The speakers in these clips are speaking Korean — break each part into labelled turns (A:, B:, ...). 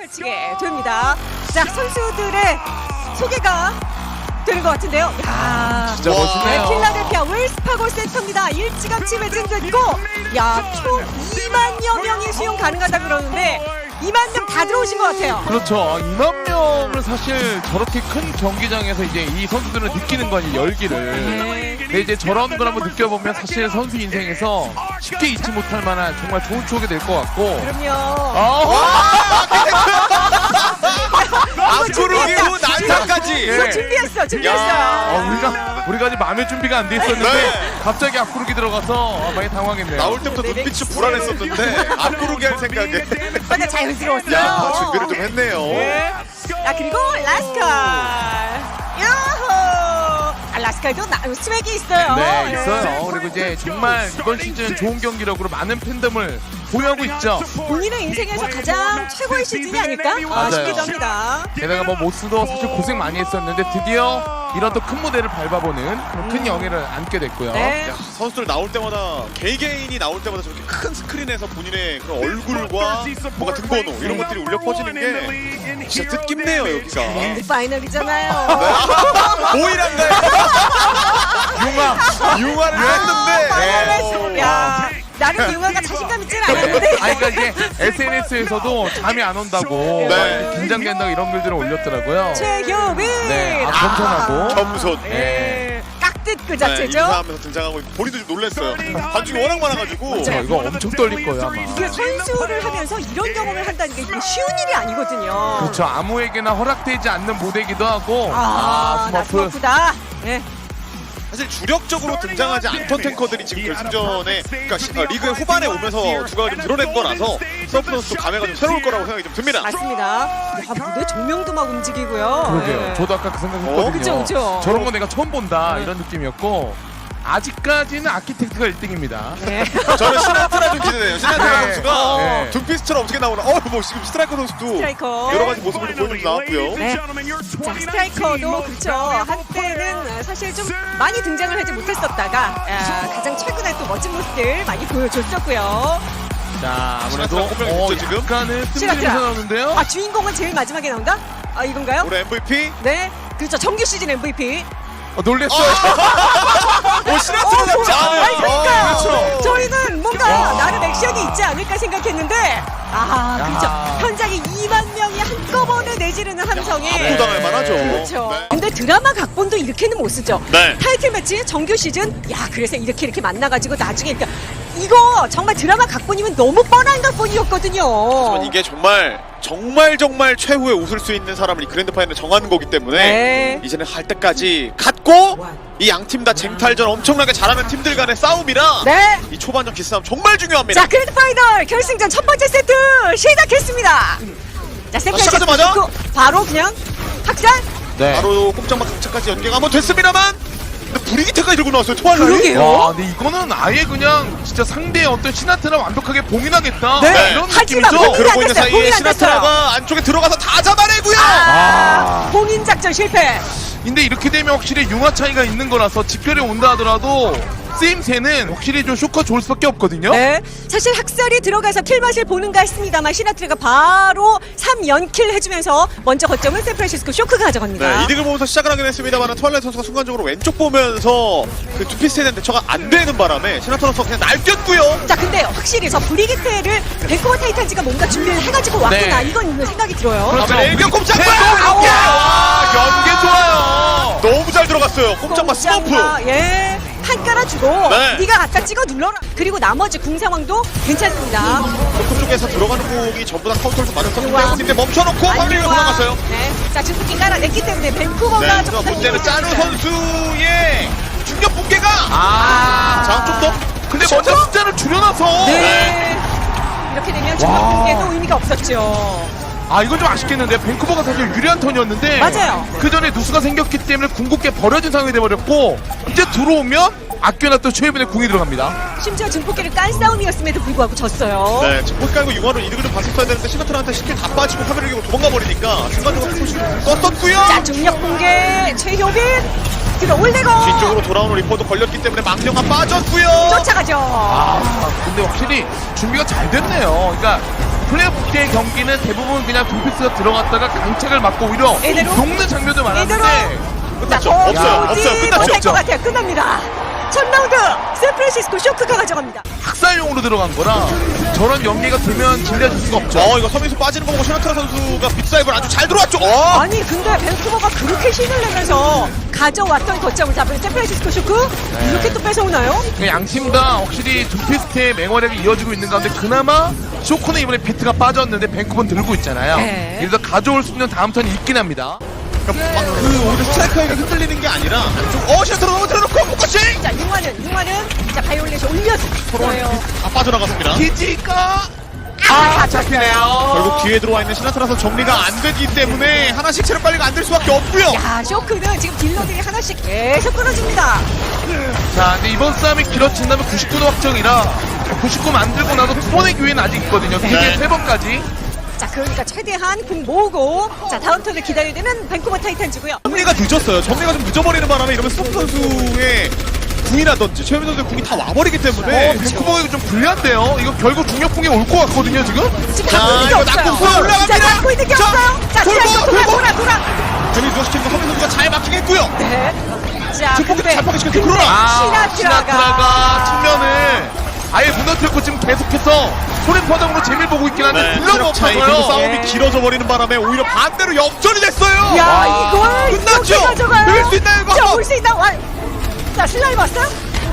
A: 마치게 됩니다. 자, 선수들의 소개가 되는 것 같은데요. 야,
B: 진짜 멋있네요.
A: 필라델피아 웰스파고 센터입니다. 일찌감치 매진됐고, 야, 총 2만여 명이 수용 가능하다 그러는데 2만 명 다 들어오신 것 같아요.
B: 그렇죠. 2만 명을 사실 저렇게 큰 경기장에서 이제 이 선수들은 느끼는 거 아니에요, 열기를.
A: 네.
B: 근데 이제 저런 걸 한번 느껴보면 사실 선수 인생에서 쉽게 잊지 못할 만한 정말 좋은 추억이 될 것 같고.
A: 그럼요.
C: 앞구르기 후 난타까지.
A: 이거 준비했어요.
B: 우리가 아직 마음의 준비가 안 돼 있었는데
C: 네.
B: 갑자기 앞구르기 들어가서 많이 당황했네요.
C: 나올 때부터
A: 네,
C: 눈빛이 불안했었는데 앞구르기 할 생각에
A: 맞아, 자연스러웠어요.
C: 야 준비를 좀 했네요.
A: 네. 자, 그리고 라스칼. 야호! 라스칼도 스웩이 있어요.
B: 네, 있어요. 그리고 이제 정말 이번 시즌 좋은 경기력으로 많은 팬덤을 보유하고 있죠.
A: 본인의 인생에서 가장 최고의 시즌이 아닐까
B: 맞아요.
A: 싶기도 합니다.
B: 게다가 뭐 모스도 사실 고생 많이 했었는데 드디어 이런 또 큰 무대를 밟아보는 그런 큰 영예를 안게 됐고요.
A: 네.
C: 야, 선수들 나올 때마다 개개인이 나올 때마다 저렇게 큰 스크린에서 본인의 그런 얼굴과 뭔가 등번호 이런 것들이 울려 퍼지는 게 진짜 뜻깊네요 여기가.
A: 랜드 파이널이잖아요.
C: 오일한가요? 융화를 했는데.
A: 야, 나름 융화가 자신감 있진 않았는데.
B: 아니 그러니까 이제 SNS에서도 잠이 안 온다고
C: 네.
B: 막 긴장된다고 이런 글들을 올렸더라고요.
A: 최효빈.
B: 네, 겸손하고.
C: 겸손.
A: 네. 깍듯 그
C: 네,
A: 자체죠.
C: 인사하면서 등장하고 있고 본인도 좀 놀랐어요. 관중이 워낙 많아가지고.
B: 이거 엄청 떨릴 거예요 아마.
A: 이게 선수를 하면서 이런 경험을 한다는 게 이게 쉬운 일이 아니거든요.
B: 그렇죠. 아무에게나 허락되지 않는 무대이기도 하고.
A: 나
B: 스머프.
A: 스머프다. 네.
C: 사실 주력적으로 등장하지 않던 탱커들이 지금 결승전에 그러니까 리그의 후반에 오면서 두각을 좀 드러낸 거라서 서프 선수도 감회가 좀 새로울 거라고 생각이 좀 듭니다.
A: 맞습니다. 야, 무대 조명도 막 움직이고요.
B: 그러게요.
A: 네.
B: 저도 아까 그 생각했거든요.
A: 그쵸, 그쵸.
B: 저런 거 내가 처음 본다
A: 네.
B: 이런 느낌이었고 아직까지는 아키텍트가 1등입니다.
A: 네.
C: 저는 시나트라 좀 기대돼요. 시나트라
B: 네.
C: 선수가
B: 네.
C: 둠피스트처럼 어떻게 나오나. 뭐 지금 스트라이커 선수도
A: 스트라이커.
C: 여러 가지 모습을 좀 보여주면서 나왔고요.
A: 네. 자, 스트라이커도 그렇죠. 한때는 사실 좀 많이 등장을 하지 못했었다가 가장 최근에 또 멋진 모습들 많이 보여줬었고요.
B: 자, 아무래도
C: 시나트라 꼽혀있죠, 지금?
B: 약간은
A: 시나트라.
B: 뜸들여서 나오는데요.
A: 아, 주인공은 제일 마지막에 나온다? 아, 이건가요?
C: 올해 MVP.
A: 네. 그렇죠. 정규 시즌 MVP.
B: 놀랬어요.
C: 오 시나트라 잡지 않아요.
A: 아니, 그러니까요.
C: 그렇죠.
A: 저희는 뭔가
B: 와.
A: 나름 액션이 있지 않을까 생각했는데 그렇죠.
B: 야.
A: 현장에 2만 명이 한꺼번에 내지르는 함성이
C: 압도당할 만하죠.
A: 그렇죠.
C: 네.
A: 근데 드라마 각본도 이렇게는 못 쓰죠.
C: 네.
A: 타이틀 매치 정규 시즌 그래서 이렇게 만나가지고 나중에 그러니까 이거 정말 드라마 각본이면 너무 뻔한 각본이었거든요.
C: 이게 정말 최후의 웃을 수 있는 사람을 이 그랜드 파이널에 정하는 거기 때문에
A: 네.
C: 이제는 할 때까지 갔고 이 양 팀 다 쟁탈전 엄청나게 잘하는 팀들 간의 싸움이라
A: 네.
C: 이 초반전 기싸움 정말 중요합니다.
A: 자, 그랜드 파이널 결승전 첫 번째 세트 시작했습니다. 자, 세트
C: 시작하자마자
A: 바로 그냥 학살.
B: 네.
C: 바로 꼼짝마 강차까지 연계가 한번 됐습니다만 근데 브리기테까지 들고 나왔어요. 토알라이.
A: 그러게요.
B: 와, 근데 이거는 아예 그냥 진짜 상대의 어떤 시나트라 완벽하게 봉인하겠다.
A: 네.
B: 이런
A: 하지만
B: 느낌이죠.
A: 봉인
C: 그러고 있는
A: 됐어요.
C: 사이에
A: 봉인 안
C: 시나트라가 안쪽에 들어가서 다 잡아내고요.
A: 봉인 작전 실패.
B: 근데 이렇게 되면 확실히 융화 차이가 있는 거라서 집결이 온다 하더라도 쓰임새는 확실히 좀 쇼크가 좋을 수밖에 없거든요.
A: 네. 사실 학살이 들어가서 킬맛을 보는가 했습니다만 시나트라가 바로 3연킬 해주면서 먼저 거점은 샌프란시스코 쇼크가 가져갑니다.
C: 네, 이득을 보면서 시작을 하긴 했습니다만 트와일라이트 선수가 순간적으로 왼쪽 보면서 그 투피스에 대한 대처가 안 되는 바람에 시나트라 선수가 그냥 날뛰었고요.
A: 자, 근데 확실히 저 브리기테를 벤쿠버 타이탄즈가 뭔가 준비를 해가지고 왔구나
B: 네.
A: 이건 생각이 들어요.
B: 그렇죠.
C: 일격 꼼짝마!
B: 연계 좋아요.
C: 너무 잘 들어갔어요. 꼼짝마 스머프.
A: 예. 한 깔아주고
C: 네.
A: 네가 갖다 찍어 눌러라. 그리고 나머지 궁 상황도 괜찮습니다.
C: 그쪽에서 들어가는 공이 전부 다 카운터에서 맞았었는데
A: 우와.
C: 근데 멈춰놓고 황리가 도망갔어요.
A: 네. 자, 주스킨 깔아냈기 때문에 벤쿠버가
C: 네,
A: 좀
C: 문제는 짜누 선수의 충격 붕괴가 자, 좀 더.
B: 근데 먼저 숫자를 줄여놔서
A: 네. 이렇게 되면 중간 공개도 의미가 없었죠.
B: 이건 좀 아쉽겠는데 밴쿠버가 사실 유리한 턴이었는데
A: 맞아요.
B: 그 전에 누수가 생겼기 때문에 궁극기에 버려진 상황이 돼버렸고 이제 들어오면 아껴놨던 최혜빈의 궁이 들어갑니다.
A: 심지어 증폭기를 깐 싸움이었음에도 불구하고 졌어요.
C: 네, 지금 포기 깔고 융화로 이득을 좀 봤었어야 되는데 시나트라한테 쉽게 다 빠지고 화면을 이기고 도망가 버리니까 순간적으로 조금씩 떴었고요.
A: 자, 중력 공개 최효빈 들어올리고
C: 뒤쪽으로 돌아오는 리포도 걸렸기 때문에 망령아 빠졌고요.
A: 쫓아가죠.
B: 근데 확실히 준비가 잘 됐네요. 그러니까 플레이오프 때 경기는 대부분 그냥 둠피스가 들어갔다가 강착을 맞고 오히려
A: 이대로?
B: 녹는 장면도 많았는데
C: 끝났죠.
A: 자,
C: 없어요. 끝났죠.
A: 될것 같아요. 끝납니다. 첫 라운드 샌프란시스코 쇼크가 가져갑니다.
B: 학살용으로 들어간 거라 저런 연계가 되면 질려질 수가 없죠.
C: 이거 서민수 빠지는 거 보고 셔나트라 선수가 빅사이브를 아주 잘 들어왔죠.
A: 아니 근데 밴쿠버가 그렇게 힘을 내면서 가져왔던 거점을 잡은 샌프란시스코 쇼크 이렇게 또 뺏어오나요?
B: 양 팀 다 확실히 둠피스트의 맹활약이 이어지고 있는 가운데 그나마 쇼크는 이번에 비트가 빠졌는데 밴쿠버는 들고 있잖아요.
A: 네.
B: 이래서 가져올 수 있는 다음 턴이 있긴 합니다.
C: 그러니까 막 오히려 스트라이커에게 흔들리는 게 아니라 안쪽 셔나트라 넘어뜨려놓고 포커싱.
A: 자 융화는 자 바이올렛이 올렸어요.
C: 다 빠져나갔습니다.
B: 기지가 잡히네요.
C: 결국 뒤에 들어와 있는 시나트라서 정리가 안 되기 때문에 하나씩 체력 관리가 안 될 수밖에 없고요.
A: 야 쇼크는 지금 딜러들이 하나씩 계속 끊어집니다.
B: 자, 근데 이번 싸움이 길어진다면 99도 확정이라 99 만들고 나서 두 번의 기회는 아직 있거든요.
C: 네.
B: 세 번까지.
A: 자 그러니까 최대한 궁 모으고 자 다음 턴을 기다려야 되는 밴쿠버 타이탄즈고요.
C: 정리가 늦었어요. 정리가 좀 늦어버리는 바람에 이러면 스톱 선수의 궁이라든지 최민 선수의 궁이 다 와버리기 때문에
B: 밴쿠버가 좀 불리한데요. 이거 결국 중력풍이 올 것 같거든요, 지금.
A: 지금
C: 자,
A: 갖고 있는 게
C: 이거
A: 없어요.
C: 낙폭 올라갑니다.
A: 자 갖고 있는 게
C: 자,
A: 없어요. 자 돌아.
C: 재민 누워시키는 거 서민 선수가 잘 막히게 했고요.
A: 네. 자
C: 증폭 잘 파괴시켰죠.
A: 근데
C: 그러나
A: 시나트라가
B: 측면을 아예 무너뜨렸고 지금 계속해서 소림파동으로 재미를 보고 있긴 한데 딜러가
C: 체력 차이 그리고
B: 없어서요.
C: 싸움이 길어져 버리는 바람에 오히려 반대로 역전이 됐어요.
A: 야 이걸
C: 끝났죠?
A: 이렇게 가져가요.
C: 밀릴 수 있나요, 이거?
A: 자, 올 수 있나? 자 슬라임 왔어?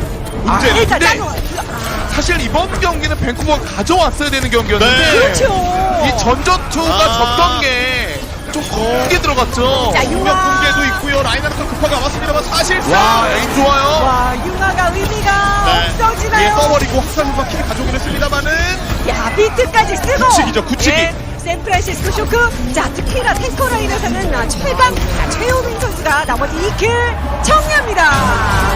C: 문제는
A: 일단
B: 근데
A: 나도
B: 사실 이번 경기는 밴쿠버가 가져왔어야 되는 경기였는데
C: 네.
A: 그렇죠.
B: 이 전전투가 졌던 게 좀 크게 들어갔죠.
A: 자,
C: 공격 붕괴도 있고요. 라인하르트 급하게 왔습니다만 사실상
B: 와, 에임 좋아요.
A: 와 융화가 의미가
C: 위에
A: 없어지나요?
C: 떠버리고 학살부가 킬을 가져오긴 했습니다만은
A: 야 비트까지 쓰고
C: 굳히기죠, 굳히기.
A: 네, 샌프란시스코 쇼크 자 특히나 탱커 라인에서는 최강 최호민 선수가 나머지 2킬 정리합니다.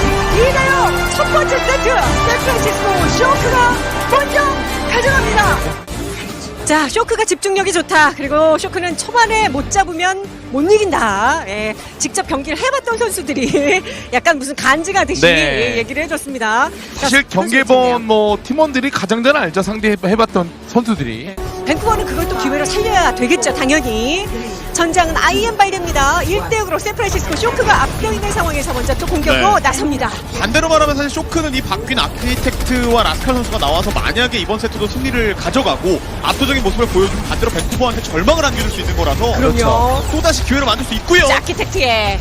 A: 이래요 첫 번째 세트 샌프란시스코 쇼크가 먼저 가져갑니다. 자 쇼크가 집중력이 좋다. 그리고 쇼크는 초반에 못 잡으면 못 이긴다. 예, 직접 경기를 해봤던 선수들이 약간 무슨 간지가 듯이
B: 네.
A: 얘기를 해줬습니다.
B: 사실
A: 자,
B: 경기번 뭐 팀원들이 가장 잘 알죠. 상대해봤던 선수들이.
A: 밴쿠버는 그걸 또 기회로 살려야 되겠죠, 당연히. 전장은 IM 발대입니다. 1대0으로 샌프란시스코 쇼크가 앞서 있는 상황에서 먼저 또 공격으로
C: 네.
A: 나섭니다.
C: 반대로 말하면 사실 쇼크는 이 바뀐 아키텍트와 라스칼 선수가 나와서 만약에 이번 세트도 승리를 가져가고 압도적인 모습을 보여주면 반대로 밴쿠버한테 절망을 안겨줄 수 있는 거라서
A: 그럼요.
C: 또다시 기회를 만들 수 있고요.
A: 자, 아키텍트의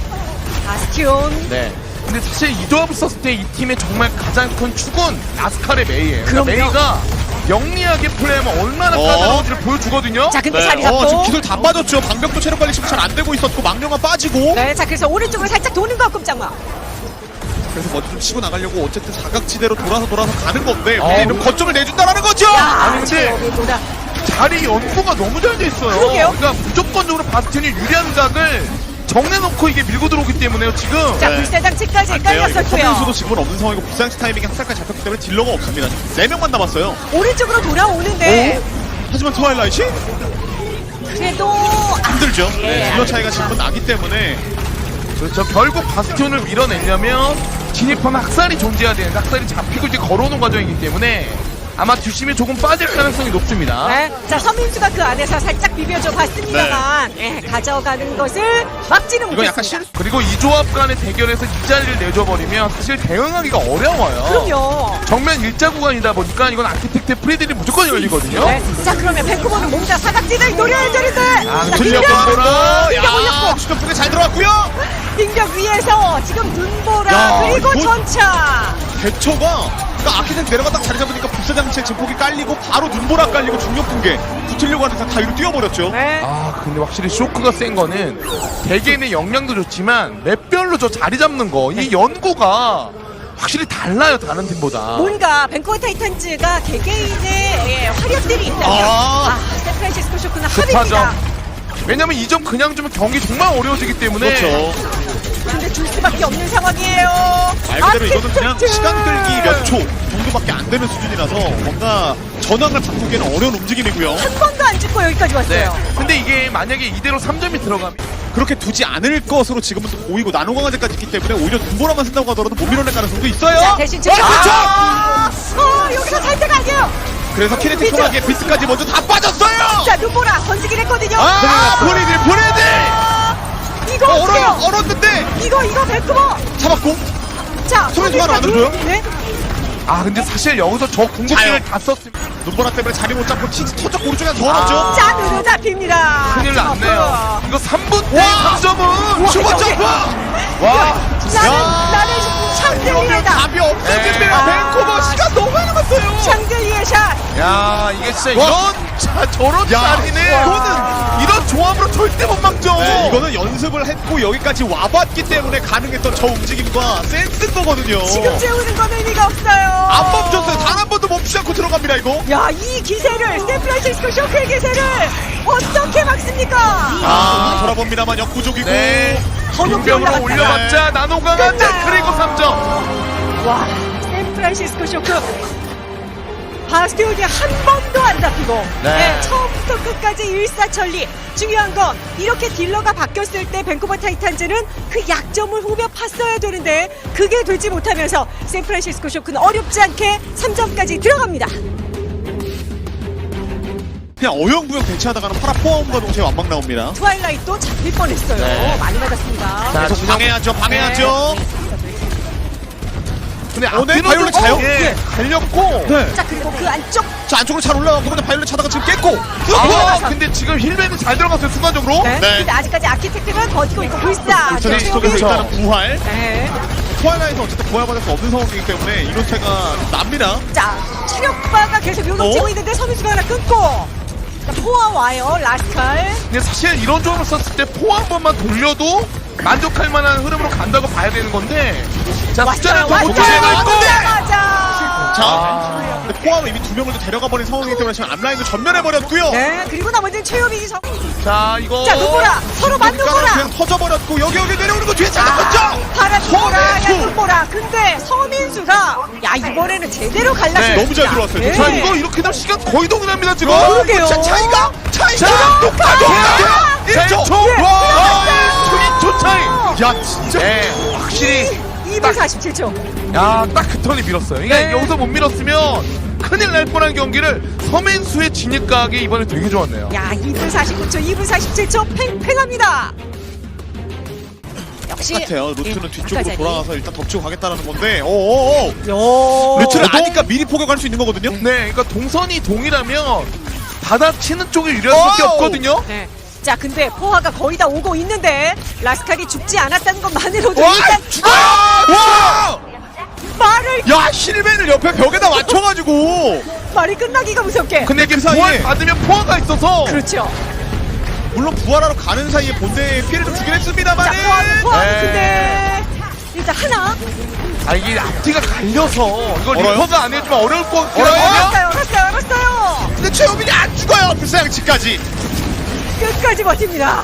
A: 바스티온.
B: 네. 근데 사실 이 조합을 썼을 때 이 팀의 정말 가장 큰 축은 라스칼의 메이예요.
A: 그럼요.
B: 메이가 영리하게 플레이하면 얼마나 까다로운지를 보여주거든요.
A: 자, 근데 자리 잡고.
C: 지금 기술 다 빠졌죠. 방벽도 체력 관리 지금 잘 안 되고 있었고 망령아 빠지고
A: 네, 자, 그래서 오른쪽으로 살짝 도는 거, 꼼짝마.
C: 그래서 먼저 좀 치고 나가려고 어쨌든 사각지대로 돌아서 가는 건데
B: 어.
C: 이런 거점을 내준다라는 거죠.
A: 야,
B: 아니, 근데
A: 저기 보다.
B: 자리 연구가 너무 잘 돼 있어요.
A: 그러게요.
B: 그러니까 무조건적으로 바스티온이 유리한 각을 정내놓고 이게 밀고 들어오기 때문에요, 지금.
A: 자,
C: 네.
A: 불사장치까지 깔렸었고요.
C: 서민수도 지금은 없는 상황이고 불상치 타이밍이 학살까지 잡혔기 때문에 딜러가 없습니다. 4명만 남았어요.
A: 오른쪽으로 돌아오는데.
C: 하지만 트와일라이트
A: 그래도.
C: 힘들죠.
A: 예.
C: 네, 딜러 차이가 지금은 나기 때문에
B: 그렇죠. 결국 바스티온을 밀어내려면 진입하면 학살이 존재해야 되는데 학살이 잡히고 이제 걸어오는 과정이기 때문에 아마 뒷심이 조금 빠질 가능성이 높습니다.
A: 네. 자, 서민수가 그 안에서 살짝 비벼줘 봤습니다만, 예, 가져가는 것을 막지는
C: 이건 약간
A: 못했습니다.
B: 그리고 이 조합 간의 대결에서 이 자리를 내줘버리면 사실 대응하기가 어려워요.
A: 그럼요.
B: 정면 일자 구간이다 보니까 이건 아키텍트 프리들이 무조건 열리거든요.
A: 네. 자, 그러면 밴쿠버는 뭔가 사각지대를 노려야 되는데. 자,
B: 틀려
A: 빙벽!
B: 건드라.
A: 빙벽 올렸고.
C: 야, 슈퍼프가 잘 들어왔고요.
A: 빙벽 위에서 지금 눈보라
C: 야,
A: 그리고
C: 이거-
A: 전차.
C: 대처가 그러니까 아키텍트 내려가 딱 자리 잡으니까 불사장치에 증폭이 깔리고 바로 눈보라 깔리고 중력 붕괴 붙으려고 하는 다 위로 뛰어버렸죠.
A: 네.
B: 아 근데 확실히 쇼크가 센 거는 개개인의 역량도 좋지만 맵별로 저 자리 잡는 거 이 연구가 확실히 달라요 다른 팀보다.
A: 뭔가 밴쿠버 타이탄즈가 개개인의 예, 화력들이 있다면
C: 아.
A: 샌프란시스코 쇼크는
B: 급하죠.
A: 합입니다.
B: 왜냐면 이 점 그냥 주면 경기 정말 어려워지기 때문에.
C: 그렇죠.
A: 근데 줄 수밖에 없는 상황이에요.
C: 말 그대로 이거는 그냥
A: 아키텍트!
C: 시간 끌기 몇 초 정도밖에 안 되는 수준이라서 뭔가 전황을 바꾸기에는 어려운 움직임이고요.
A: 한 번도 안 죽고 여기까지
B: 네.
A: 왔어요.
B: 근데 이게 만약에 이대로 3점이 들어가면
C: 그렇게 두지 않을 것으로 지금은 또 보이고 나노 강화제까지 있기 때문에 오히려 눈보라만 쓴다고 하더라도 못 밀어낼 가능성도 있어요.
A: 자, 대신 지금
C: 그렇죠.
A: 여기서 살 때가 아니에요.
C: 그래서 키네틱하게 비트까지 먼저 다 빠졌어요.
A: 자, 눈보라 던지긴 했거든요.
C: 보리들
A: 이거 어때요?
C: 얼었는데
A: 이거 벤쿠버.
C: 잡았고.
A: 자,
C: 소리 하나 안 들어줘요?
A: 네.
B: 아 근데 사실 여기서 저 궁극기를 다 썼으면
C: 눈보라 때문에 자리 못 잡고 킹스 터졌고 오른쪽에 더 넣었죠.
A: 자, 눈을 잡힙니다.
B: 큰일 났네요. 이거 3분 때
C: 와!
B: 3점은
C: 슈퍼 점프.
B: 와
A: 나는 샹들리에다.
C: 답이 없어집니다.
A: 네.
C: 벤코버 시간 너무 많이 남았어요.
A: 샹들리에 샷.
B: 야 이게 진짜
C: 와.
B: 저런
C: 야,
B: 자리는
C: 이거는
B: 이런 조합으로 절대 못 막죠.
C: 네, 이거는 연습을 했고 여기까지 와봤기 때문에 가능했던 저 움직임과 센스인 거거든요.
A: 지금 재우는 건 의미가 없어요.
C: 안 멈췄어요. 단 한 번도 멈추지 않고 들어갑니다 이거.
A: 야, 이 기세를, 샌프란시스코 쇼크의 기세를 어떻게 막습니까?
C: 돌아봅니다만 역부족이고.
B: 네.
A: 더 높이
B: 공병으로
A: 올라갔다.
B: 올려봤자 나노 강화제
A: 끝나요.
B: 그리고 3점.
A: 와, 샌프란시스코 쇼크. 바스티온이 한 번도 안 잡히고
B: 네.
A: 처음부터 끝까지 일사천리. 중요한 건 이렇게 딜러가 바뀌었을 때 밴쿠버 타이탄즈는 그 약점을 후벼 팠어야 되는데 그게 되지 못하면서 샌프란시스코 쇼크는 어렵지 않게 3점까지 들어갑니다.
C: 그냥 어영부영 대치하다가는 파라 포함과 동시에 완막 나옵니다.
A: 트와일라이트도 잡힐 뻔했어요.
B: 네.
A: 많이 맞았습니다.
B: 자,
C: 계속 방해하죠.
B: 근데
C: 오늘
B: 앞뒤로도
C: 바이올렛 차요?
B: 예, 갈렸고.
C: 네.
A: 자, 그리고 그 안쪽.
C: 자 안쪽으로 잘 올라가고 근데 바이올렛 차다가 지금 깼고.
B: 아, 근데 지금 힐맨이 잘 들어갔어요 순간적으로.
A: 네.
C: 네.
A: 근데 아직까지 아키텍트는 버티고 있고 불사.
C: 저 속에서
B: 그렇죠.
C: 일단은 부활.
A: 네.
C: 트와일라이트 어쨌든 부활받을 수 없는 상황이기 때문에 이런 차가 납니다.
A: 자, 체력바가 계속 요동치고 있는데 선수가 하나 끊고. 자, 포화 와요, 라스칼.
B: 근데 사실 이런 조합을 썼을 때 포 한 번만 돌려도 만족할 만한 흐름으로 간다고 봐야 되는 건데. 자 숫자를 더 못
A: 왔어요.
B: 채우고 있고.
A: 맞아.
C: 자, 근데 포함은 이미 두 명을 데려가 버린 상황이기 때문에 지금 앞라인도 전면해 버렸고요.
A: 네, 그리고 나머지는 최효빈이 정.
B: 자 이거.
A: 자, 눈보라. 서로 맞는 거라.
C: 그냥 터져버렸고 여기 내려오는 거 뒤에
A: 아,
C: 잡았죠.
A: 파란 눈보라, 야,
C: 서민수.
A: 눈보라. 근데 서민수가, 야, 이번에는 제대로 갈랐습니다.
B: 네,
C: 너무 잘 들어왔어요.
A: 네.
B: 자 이거 이렇게 되면 시간 거의 동일합니다 지금.
A: 그러게요.
C: 차이가
B: 자,
C: 똑같아.
B: 1초.
A: 예.
B: 와 1초 차이.
C: 야 진짜.
B: 네 확실히
A: 2분 47초.
B: 딱 그 턴이 밀었어요. 이게
A: 네.
B: 여기서 못 밀었으면 큰일 날 뻔한 경기를 서민수의 진입각이 이번에 되게 좋았네요.
A: 야, 2분 49초, 2분 47초 팽팽합니다. 역시
C: 똑같아요. 루트는
A: 예,
C: 뒤쪽으로
A: 아까
C: 돌아가서 일단 덮치고 가겠다는 건데. 오오오.
A: 요.
C: 루트를
B: 저도-
C: 아니까 미리 포격할 수 있는 거거든요.
B: 네, 그러니까 동선이 동일하면 받아치는 쪽이 유리할 수밖에
C: 오우!
B: 없거든요.
A: 네. 자, 근데 포화가 거의 다 오고 있는데 라스칼이 죽지 않았다는 것만으로도
C: 와
A: 일단
C: 죽어요. 와.
A: 말을
C: 야 힐맨을 옆에 벽에다 맞춰가지고.
A: 말이 끝나기가 무섭게.
B: 근데 이게
C: 그 사이에-
B: 부활 받으면 포화가 있어서
A: 그렇죠.
C: 물론 부활하러 가는 사이에 본대에 피해를 좀 주긴
A: 자,
C: 했습니다만.
A: 포화
B: 네.
A: 근데 일단 하나.
B: 이게 앞뒤가 갈려서 이걸
C: 얼어요?
B: 리퍼가 안 해주면 어려울 것 같긴
C: 얼어요?
B: 하거든요.
A: 알았어요.
C: 근데 최호빈이 안 죽어요. 불사양치까지.
A: 끝까지 버팁니다.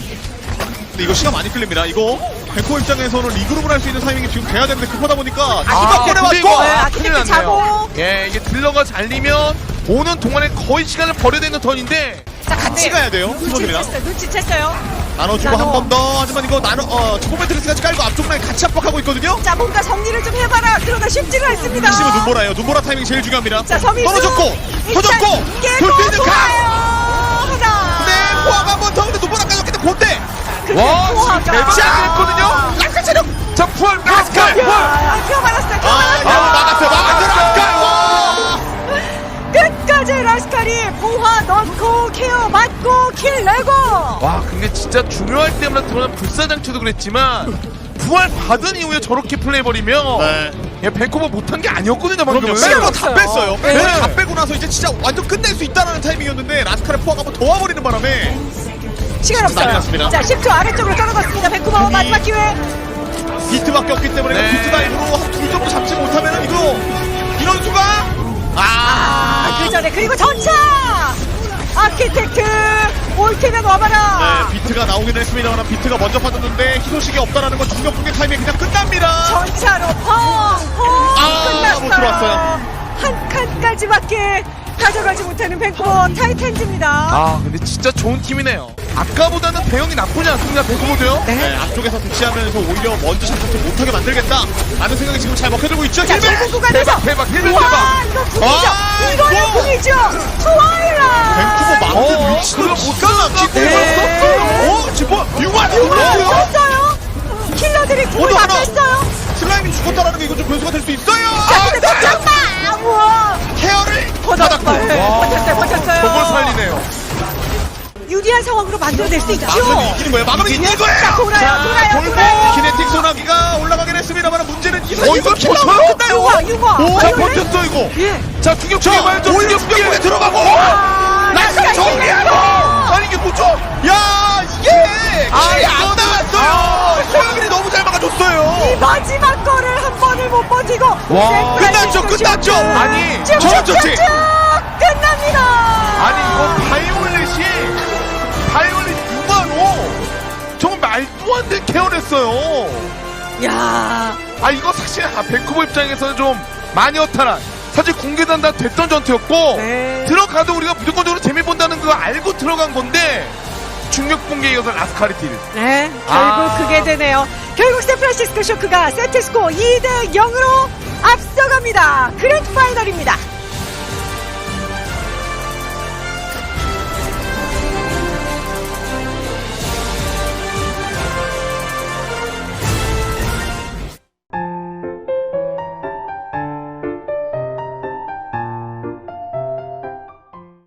C: 근데 이거 시간 많이 끌립니다. 이거 벤코 입장에서는 리그룹을 할 수 있는 타이밍이 지금 돼야 되는데 급하다 보니까
B: 근데
C: 꺼내
B: 이거
C: 맞고.
A: 네,
B: 큰일
A: 아키텍트
B: 났네요.
A: 자고.
B: 예, 이게 딜러가 잘리면 오는 동안에 거의 시간을 버려야 되는 턴인데
A: 자,
C: 같이 가야 돼요. 수석입니다.
A: 눈치챘어요.
C: 나눠주고
A: 나눠.
C: 한 번 더. 하지만 이거 초코매트리스까지 깔고 앞쪽 라인 같이 압박하고 있거든요.
A: 자, 뭔가 정리를 좀 해봐라. 그러다 쉽지가 않습니다.
C: 핵심은 눈보라예요. 눈보라 타이밍 제일 중요합니다.
A: 자, 서민수.
C: 떨어졌고 터졌고
A: 깨고
C: 돌 수 있는 각.
A: 하나.
C: 네, 포화가 한 번 더. 근데 눈보라 까졌기 때문에 본대.
A: 근데
B: 와,
A: 포화가.
B: 지금 대박이 됐거든요.
C: 라스칼 체력.
B: 자, 부활 라스칼 부활.
A: 야, 표 받았어요. 표
C: 아,
A: 받았어요.
C: 막았어요. 라스칼. 와.
A: 끝까지 라스칼이 포화 넣고 케어 맞고 킬 내고.
B: 와, 근데 진짜 중요할 때마다 드러난 불사장치도 그랬지만 부활 받은 이후에 저렇게 플레이버리면
C: 네.
B: 예, 벤코버 못한 게 아니었거든요
C: 그럼요.
B: 방금은.
C: 빼고 다 뺐어요.
A: 네.
C: 다 빼고 나서 이제 진짜 완전 끝낼 수 있다는 타이밍이었는데 라스칼의 포화가 한번 더 와버리는 바람에
A: 시간
C: 난리
A: 없어요.
C: 났습니다.
A: 자, 10초 아래쪽으로 떨어졌습니다. 벤쿠버 마지막 기회.
C: 비트밖에 없기 때문에
B: 네.
C: 비트 다이브로 한 둘 정도 잡지 못하면은 이거 이런 수가
A: 그 전에 그리고 전차. 아키텍트 올 테면 와봐라.
C: 네, 비트가 나오긴 했습니다만 비트가 먼저 빠졌는데 희소식이 없다라는 건 중력 붕괴 타이밍 그냥 끝납니다.
A: 전차로 펑펑
C: 아,
A: 끝났어요.
C: 못 들어왔어요.
A: 한 칸까지밖에 가져가지 못하는 벤쿠버 타이탄즈입니다.
B: 아 근데 진짜 좋은 팀이네요. 아까보다는 대형이 나쁘지 않습니다. 벤쿠버도요.
C: 네, 앞쪽에서 대치하면서 오히려 먼저 샷을 못하게 만들겠다 라는 생각이 지금 잘 먹혀들고 있죠.
A: 자,
C: 힐백!
A: 결국 구간에서
B: 대박, 힐백
A: 와,
B: 대박.
A: 이거 궁이죠.
C: 와,
A: 이거는
C: 이거.
A: 궁이죠. 트와일라.
C: 벤쿠버 망대 위치도
B: 그럼
C: 기가 막히고
A: 네.
C: 썼어요. 지금 융화
A: 썼어요. 킬러들이 궁을 다
C: 하나.
A: 뺐어요.
C: 슬라임이 죽었다라는 게 이건 좀 변수가 될 수 있어요.
A: 자, 근데 놓쳤다. 우와.
C: 케어를
A: 버텼어요.
C: 받았고
A: 버텼어요.
B: 저걸 살리네요.
A: 유리한 상황으로 만들어낼 수 있죠.
C: 막으면 이기는 거예요. 막으면 이기는
A: 자,
C: 거예요.
A: 돌아요.
C: 결국 키네틱 소나기가 올라가긴 했습니다만 문제는 이 사이에서
B: 이거
C: 킬러가
B: 버텨요?
C: 끝나요.
A: 융화.
B: 오, 자 버텼어 이거.
A: 예.
B: 자 충격
C: 자,
B: 중에 말죠.
C: 오히려
B: 충격 중에
C: 충격에 들어가고
A: 라스가
C: 정리하고
B: 아니 이게 뭐죠?
C: 야 이게 킬이 안
B: 이거는-
C: 나왔어요. 소영민이 너무 잘 막아줬어요.
A: 이 마지막 거를 한 번을 못 버티고
B: 와,
C: 끝났죠. 아니 저런
A: 쭉쭉쭉쭉
C: 조치.
A: 끝납니다.
B: 아니 이거 바이올렛 6만호 정말 말도 안 되는 케어를 했어요.
A: 야,
B: 아 이거 사실 벤쿠버 입장에서는 좀 많이 허탈한 사실 공개단 다 됐던 전투였고
A: 네.
B: 들어가도 우리가 무조건적으로 재미 본다는 거 알고 들어간 건데 중력 붕괴에 이어서 라스카리티를
A: 네, 결국 그게 되네요. 결국 샌프란시스코 쇼크가 세트 스코어 2대 0으로 앞서갑니다. 그랜드 파이널입니다.